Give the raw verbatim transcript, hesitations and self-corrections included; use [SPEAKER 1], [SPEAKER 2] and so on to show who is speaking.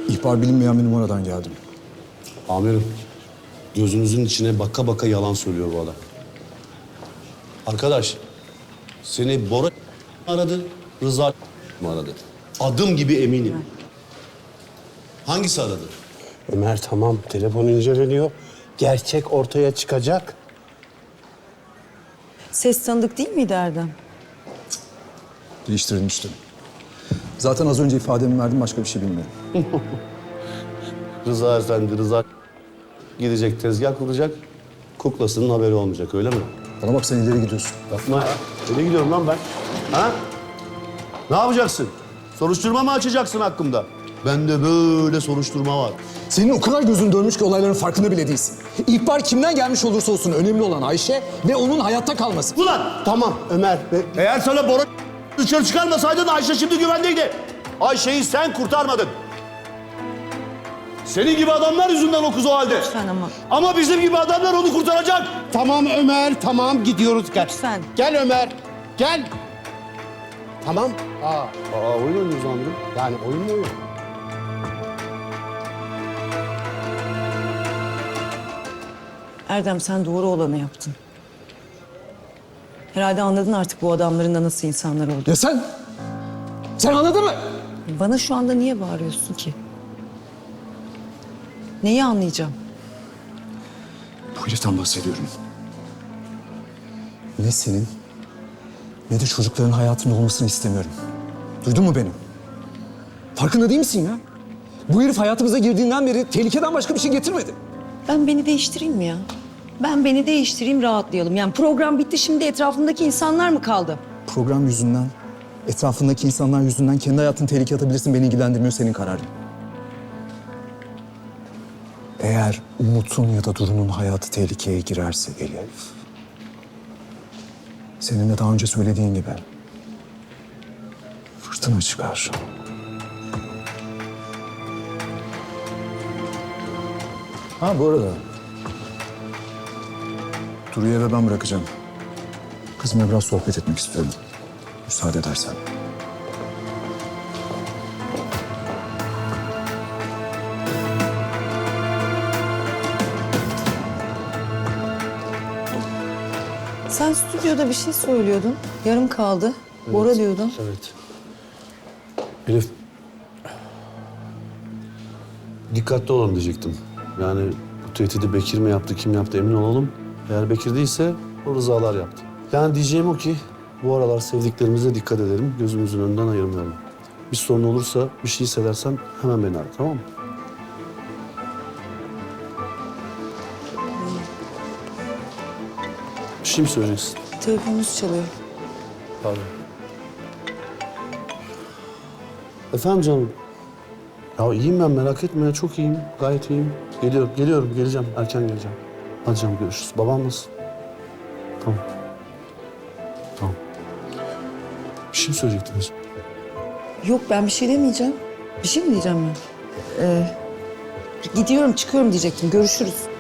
[SPEAKER 1] İhbar bilinmeyen bir numaradan geldim.
[SPEAKER 2] Amirim, gözünüzün içine baka baka yalan söylüyor bu adam. Arkadaş, seni Bora aradı, Rıza mı aradı? Adım gibi eminim. Hangisi aradı?
[SPEAKER 3] Ömer tamam, telefon inceleniyor. Gerçek ortaya çıkacak.
[SPEAKER 4] Ses tanıdık değil miydi Erdem?
[SPEAKER 1] Değiştirilmişti. Zaten az önce ifademi verdim, başka bir şey bilmiyorum.
[SPEAKER 2] Rıza Efendi, Rıza gidecek, tezgah kuracak. Kuklasının haberi olmayacak, öyle mi?
[SPEAKER 1] Bana bak, sen ileri gidiyorsun.
[SPEAKER 2] Yapma ya. Nereye gidiyorum lan ben? Ha? Ne yapacaksın? Soruşturma mı açacaksın hakkımda? Bende böyle soruşturma var.
[SPEAKER 1] Senin o kadar gözün dönmüş ki olayların farkında bile değilsin. İhbar kimden gelmiş olursa olsun önemli olan Ayşe ve onun hayatta kalması.
[SPEAKER 2] Ulan!
[SPEAKER 3] Tamam Ömer. Be-
[SPEAKER 2] Eğer sana Bora dışarı çıkarmasaydın Ayşe şimdi güvendeydi. Ayşe'yi sen kurtarmadın. Senin gibi adamlar yüzünden o kız o halde.
[SPEAKER 4] Lütfen ama.
[SPEAKER 2] Ama bizim gibi adamlar onu kurtaracak.
[SPEAKER 3] Tamam Ömer, tamam gidiyoruz. Gel.
[SPEAKER 4] Lütfen.
[SPEAKER 3] Gel Ömer, gel. Tamam. Aa,
[SPEAKER 2] Aa oyun oynuyoruz amirim.
[SPEAKER 3] yani oyun mu oyun?
[SPEAKER 4] Erdem sen doğru olanı yaptın. Herhalde anladın artık bu adamların da nasıl insanlar olduğunu.
[SPEAKER 1] Ya sen? Sen anladın mı?
[SPEAKER 4] Bana şu anda niye bağırıyorsun ki? Neyi anlayacağım?
[SPEAKER 1] Bu heriften bahsediyorum. Ne senin ne de çocukların hayatında olmasını istemiyorum. Duydun mu beni? Farkında değil misin ya? Bu herif hayatımıza girdiğinden beri tehlikeden başka bir şey getirmedi.
[SPEAKER 4] Ben beni değiştireyim mi ya? Ben beni değiştireyim, rahatlayalım. Yani program bitti, şimdi etrafındaki insanlar mı kaldı?
[SPEAKER 1] Program yüzünden, etrafındaki insanlar yüzünden kendi hayatını tehlikeye atabilirsin. Beni ilgilendirmiyor, senin kararın. Eğer Umut'un ya da Duru'nun hayatı tehlikeye girerse Elif... senin de daha önce söylediğin gibi fırtına çıkar. Ha bu arada Duru'yu eve ben bırakacağım. Kızımla biraz sohbet etmek istiyorum. Müsaade edersen.
[SPEAKER 4] Sen stüdyoda bir şey söylüyordun. Yarım kaldı. Bora diyordun.
[SPEAKER 2] Evet. Elif. Dikkatli olalım diyecektim. Yani bu tehdidi Bekir mi yaptı, kim yaptı emin olalım. Eğer Bekir değilse o Rızalar yaptı. Yani diyeceğim o ki bu aralar sevdiklerimize dikkat edelim. Gözümüzün önünden ayırmayalım. Bir sorun olursa, bir şey hissedersen hemen beni ara, tamam mı? Bir şey mi söyleyeceksin?
[SPEAKER 4] Telefonunuz çalıyor.
[SPEAKER 2] Pardon. Efendim canım. Ya iyiyim ben, merak etme ya, çok iyiyim. Gayet iyiyim. Geliyorum, geliyorum, geleceğim. Erken geleceğim. Hadi canım, görüşürüz. Babam nasıl? Tamam. Tamam. Bir şey mi söyleyecektiniz?
[SPEAKER 4] Yok ben bir şey demeyeceğim. Bir şey mi diyeceğim ben? Ee, gidiyorum, çıkıyorum diyecektim. Görüşürüz.